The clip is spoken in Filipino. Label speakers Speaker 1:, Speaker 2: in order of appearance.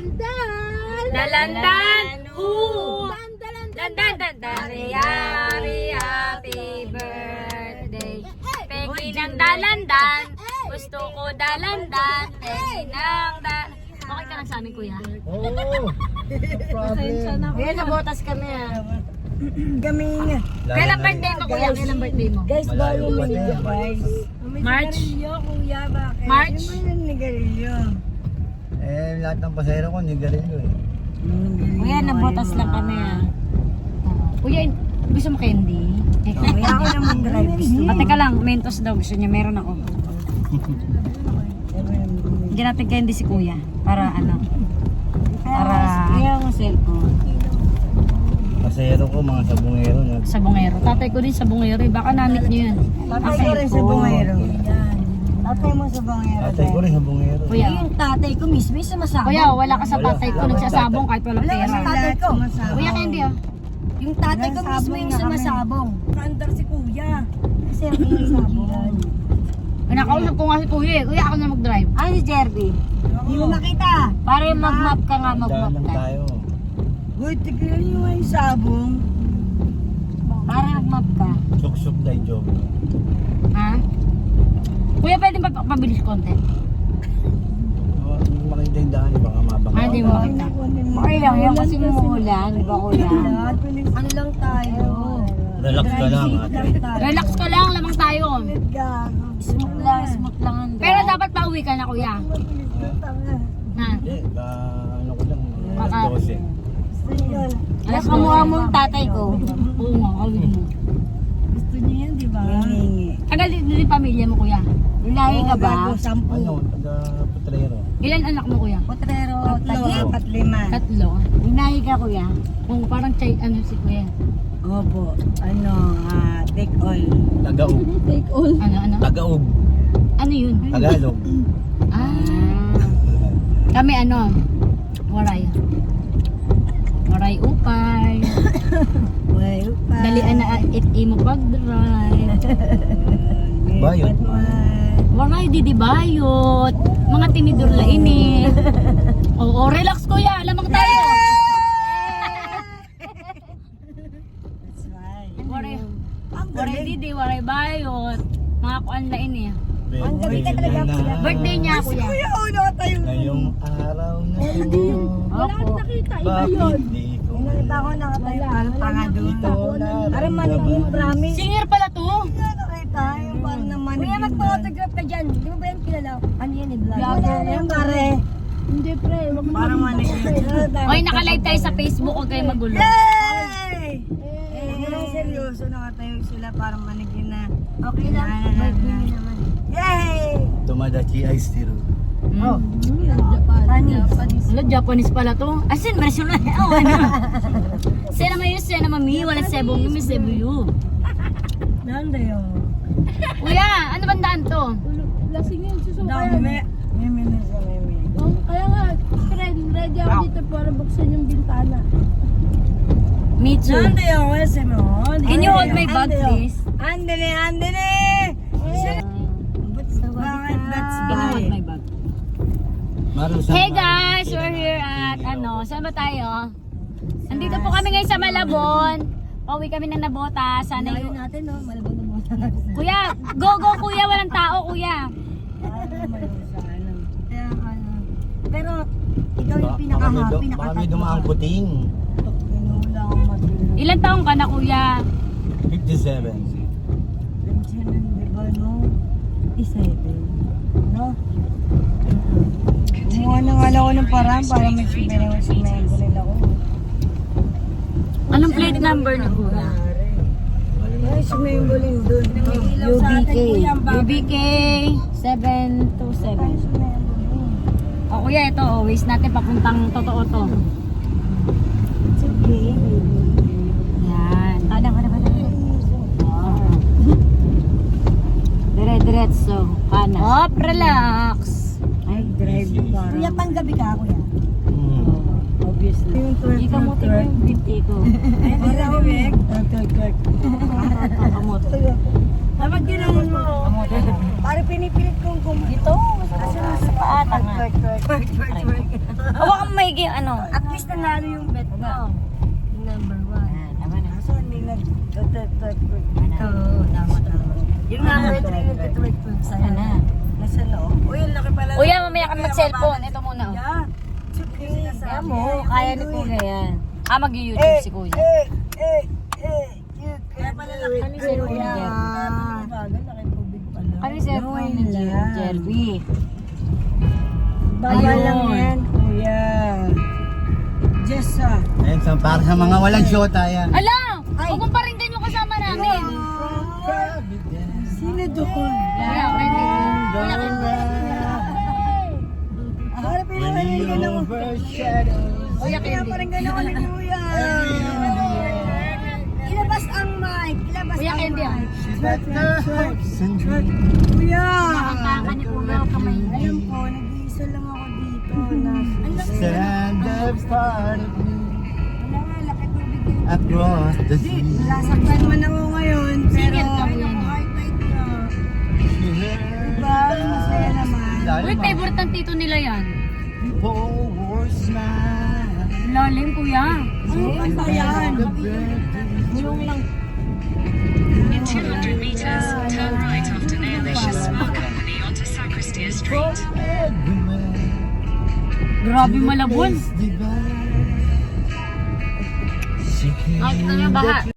Speaker 1: Dalandan.
Speaker 2: Dalandan. Dalandan. Happy birthday. Pengi ng dalandan. Gusto ko dalandan. Pengi ng dalandan. Okay ka lang sa amin, kuya?
Speaker 3: Oo. Problem.
Speaker 2: Kuya, nabotas kami
Speaker 1: Gaming.
Speaker 2: Kailan birthday mo, kuya? Kailan birthday mo?
Speaker 1: Guys,
Speaker 3: Malayo
Speaker 1: bago
Speaker 3: pa
Speaker 1: mo
Speaker 3: din.
Speaker 1: guys.
Speaker 2: March?
Speaker 1: Kuya, bakit?
Speaker 2: March?
Speaker 1: Ano ba yung nigarilyo?
Speaker 3: Lahat ng pasahero ko, nigarilyo eh.
Speaker 2: Kuya, nabotas lang kami Kuya, gusto mo candy?
Speaker 1: Kuya, ako naman drive.
Speaker 2: Teka lang, Mentos daw. Gusto niya, meron ako. Bigyan natin candy si kuya. Para ano? Para...
Speaker 1: Kaya mo cellphone.
Speaker 3: Pasahero ko, mga sabungero.
Speaker 2: Sabongero. Tatay ko din sabongero. Baka namit niyo yan.
Speaker 1: Tatay ko rin sa bungero. Tatay mo sa bungero.
Speaker 3: Tatay ko rin sabungero.
Speaker 2: Kuya.
Speaker 1: Yung tatay ko mismo yung sumasabong.
Speaker 2: Kuya, wala ka sa tatay ko. Nagsasabong kahit walang
Speaker 1: Wala ka
Speaker 2: pera.
Speaker 1: sa tatay ko.
Speaker 2: Kuya, candy
Speaker 1: Yung tatay ko mismo yung sumasabong. Kaandar si kuya. Kasi ako yung sabong.
Speaker 2: Nakausap ko nga si kuya. Kuya, ako na mag-drive.
Speaker 1: Ay, si Jerby. Hindi mo makita.
Speaker 2: Para mag-map ka nga, mag-map
Speaker 3: Daan lang
Speaker 2: ka.
Speaker 3: tayo.
Speaker 1: Uy, tignan nyo nga yung sabong.
Speaker 2: Para mag-map ka.
Speaker 3: Suksok tayo, job.
Speaker 2: Ha? Kuya, pwede ba pabilis konti?
Speaker 3: Hindi ko makita yung daan, baka mabaka.
Speaker 2: Hindi mo makita. Okay lang yan kasi umuulan. Di ba kuya?
Speaker 1: Ano lang tayo?
Speaker 3: Relax ka lang, ate.
Speaker 2: Relax ka lang, lamang tayo.
Speaker 1: Smooth lang.
Speaker 2: Pero dapat pauwi ka na kuya. Ha?
Speaker 3: Hindi, ano ko lang,
Speaker 2: Baka-
Speaker 3: 12.
Speaker 2: Alas kamukha mo yung tatay ko. Oo nga, kawin mo.
Speaker 1: Gusto niyo yan, di ba? Hingi.
Speaker 2: Tagal din yung pamilya mo kuya. Ilahi ka ba?
Speaker 3: Ano, taga-putrero.
Speaker 2: Ilan anak mo kuya?
Speaker 1: Potrero, apat lima.
Speaker 2: 3. Inahi ka kuya. Kung parang chay, ano si kuya.
Speaker 1: Opo, take all.
Speaker 3: Tagaug.
Speaker 2: Ano?
Speaker 3: Tagaug.
Speaker 2: Ano yun?
Speaker 3: Tagalog.
Speaker 2: Kami ano? Waray. Waray upay.
Speaker 1: Way pa.
Speaker 2: Dalian na imo pag-drive.
Speaker 3: Bayot.
Speaker 2: Waray didibayot. Mga tinidor la ini. Oo, relax kuya. Lamang tayo.
Speaker 1: That's right.
Speaker 2: Waray.
Speaker 1: Ang
Speaker 2: Waray
Speaker 1: galing.
Speaker 2: didi, waray bayot. Mga kuan la ini.
Speaker 1: Ang galing ka talaga, kuya.
Speaker 2: Birthday niya kuya.
Speaker 1: Kuya, ulo ka tayo.
Speaker 3: Ngayong araw na ito,
Speaker 2: Opo.
Speaker 3: bakit di ko
Speaker 1: Nakita ko nakatayo parang tanga doon.
Speaker 3: ito na
Speaker 1: Parang manigin, promise.
Speaker 2: Singer pala to.
Speaker 1: Nakita yung parang na manigin.
Speaker 4: Kuya, magpa-autograph ka dyan. Di mo ba yan kilala? Ano yan eh, vlog?
Speaker 1: Vlogger yan, pare.
Speaker 4: Hindi, pre. Wag mo
Speaker 1: Parang manigin.
Speaker 2: Oy, naka-live tayo sa Facebook. Huwag kayo magulo.
Speaker 1: Yay! Seryoso, nakatayo sila parang manigin na.
Speaker 4: Okay lang. Birthday mo naman.
Speaker 1: Yay!
Speaker 3: Tumadachi ice tea.
Speaker 1: Oh,
Speaker 4: Japanese.
Speaker 2: Wala, Japanese pala to. Asin, version na. Oh, ano? Sena mayo, sena mami. Wala sebong yung may sebuyo.
Speaker 1: nanda yun.
Speaker 2: Kuya, ano bang daan to?
Speaker 4: Lasing yun. Susuka
Speaker 1: Dami.
Speaker 4: yan.
Speaker 1: Mimi na sa mimi.
Speaker 4: Oh, kaya nga, friend, ready ako dito para buksan yung bintana.
Speaker 2: Me too.
Speaker 1: Nanda yun kasi mo.
Speaker 2: Can you hold my bag, please?
Speaker 1: Andale, andale! Bakit that's
Speaker 2: Can you hold my
Speaker 1: bad?
Speaker 2: bag?
Speaker 3: Marusan.
Speaker 2: Hey guys, we're here at saan ba tayo? Nandito po kami ngayon sa Malabon. Pauwi kami ng Nabota. Sana
Speaker 4: Layo
Speaker 2: yung...
Speaker 4: natin, no? Malabon na mo.
Speaker 2: Kuya, go kuya, walang tao kuya.
Speaker 1: Kaya ano. Pero ikaw yung pinaka-happy na
Speaker 3: Baka may dumaang puting.
Speaker 1: Pinula ang matulog.
Speaker 2: Ilan taong ka na kuya?
Speaker 3: 57.
Speaker 1: Pension, di ba, no? Isa ito. No? Kumuha na nga lang ako ng parang para may sumembo nila ko.
Speaker 2: Anong plate number ni kuya?
Speaker 1: Ay, sumembo din doon.
Speaker 2: UBK. UBK 727. O kuya, ito always natin papuntang totoo to.
Speaker 1: Sige.
Speaker 2: Yan. Kada. Dire-diretso. Kanan. Hop, relax.
Speaker 1: Ay, drive mo parang. Kuya, panggabi ka, kuya.
Speaker 3: Hmm.
Speaker 1: Yung twerk,
Speaker 2: Hindi ka mo tingnan yung binti ko.
Speaker 1: Ay, hindi na, twerk.
Speaker 2: Kamote.
Speaker 1: Dapat ginanon mo. Para pinipilit kong
Speaker 2: Dito. Sa paata nga.
Speaker 1: Twerk.
Speaker 2: Hawakan mo maigi yung ano.
Speaker 1: At least nanalo yung bet mo. Yung number 1.
Speaker 3: Kaso hindi
Speaker 1: Oo, tama. Yung number 3 yung tutwig-twig sa'yo.
Speaker 2: Ano?
Speaker 1: Nasa loob. Uy, ang laki pala.
Speaker 2: Kuya, mamaya ka mag-cellphone. Ito muna. Oh.
Speaker 1: Yeah.
Speaker 2: Kaya mo, kaya ni Kuya yan. Ah, mag-YouTube si Kuya.
Speaker 1: Kaya pala laki.
Speaker 2: Ano si Kuya?
Speaker 1: Bagal, laki tubig pala.
Speaker 2: Ano yung cellphone ni Jerby?
Speaker 1: Bawal lang yan, kuya. Just
Speaker 3: Ayun, para sa mga walang shota yan.
Speaker 2: Ala! Huwag mong paringgan yung kasama namin.
Speaker 1: Sino doon?
Speaker 2: Kuya, Wendy. Kuya, Wendy.
Speaker 1: Para pinaparinggan ako.
Speaker 2: Kuya, Wendy.
Speaker 1: Pinaparinggan ako ni kuya. Ilabas ang mic. Ilabas
Speaker 2: Kuya,
Speaker 1: ang
Speaker 2: Wendy.
Speaker 1: mic.
Speaker 3: Sweat.
Speaker 1: Kuya.
Speaker 2: Nakakaka ni Kuya, kamay.
Speaker 1: Alam ko, nag-iisa lang ako dito.
Speaker 3: Stand up part of me
Speaker 1: Wala nga, laki tubig yun.
Speaker 3: across the sea.
Speaker 1: Nasaktan man ako ngayon, pero
Speaker 2: Single ka, kuya.
Speaker 1: highlight na. Diba? Masaya naman.
Speaker 2: Uy, favorite ng tito nila yan.
Speaker 1: Lalim, kuya. Ano kanta yan?
Speaker 2: Yung lang.
Speaker 5: In 200 meters, turn right after Nailicious Spa Company onto Sacristia Street.
Speaker 2: Grabe malabon.
Speaker 3: She came
Speaker 2: Nakita niyo baha.